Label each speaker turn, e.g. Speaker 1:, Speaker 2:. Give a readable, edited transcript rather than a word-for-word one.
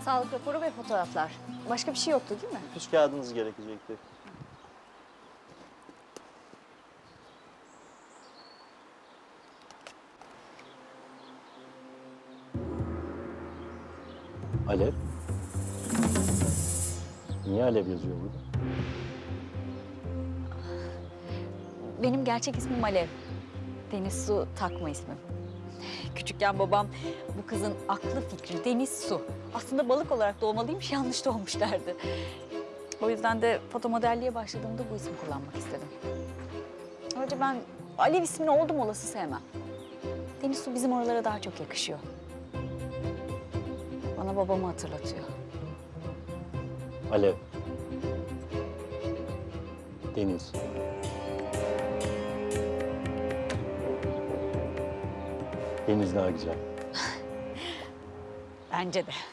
Speaker 1: Sağlık raporu ve fotoğraflar. Başka bir şey yoktu değil mi?
Speaker 2: Nüfus kağıdınız gerekecekti. Alev? Niye Alev yazıyor burada?
Speaker 1: Benim gerçek ismim Alev. Deniz Su takma ismim. Küçükken babam bu kızın aklı fikri Deniz Su. Aslında balık olarak doğmalıymış, yanlış doğmuş derdi. O yüzden de fotomodelliğe başladığımda bu ismi kullanmak istedim. Ayrıca ben Alev ismini oldum olası sevmem. Deniz Su bizim oralara daha çok yakışıyor. Bana babamı hatırlatıyor.
Speaker 2: Alev. Deniz. Deniz daha güzel.
Speaker 1: Bence de.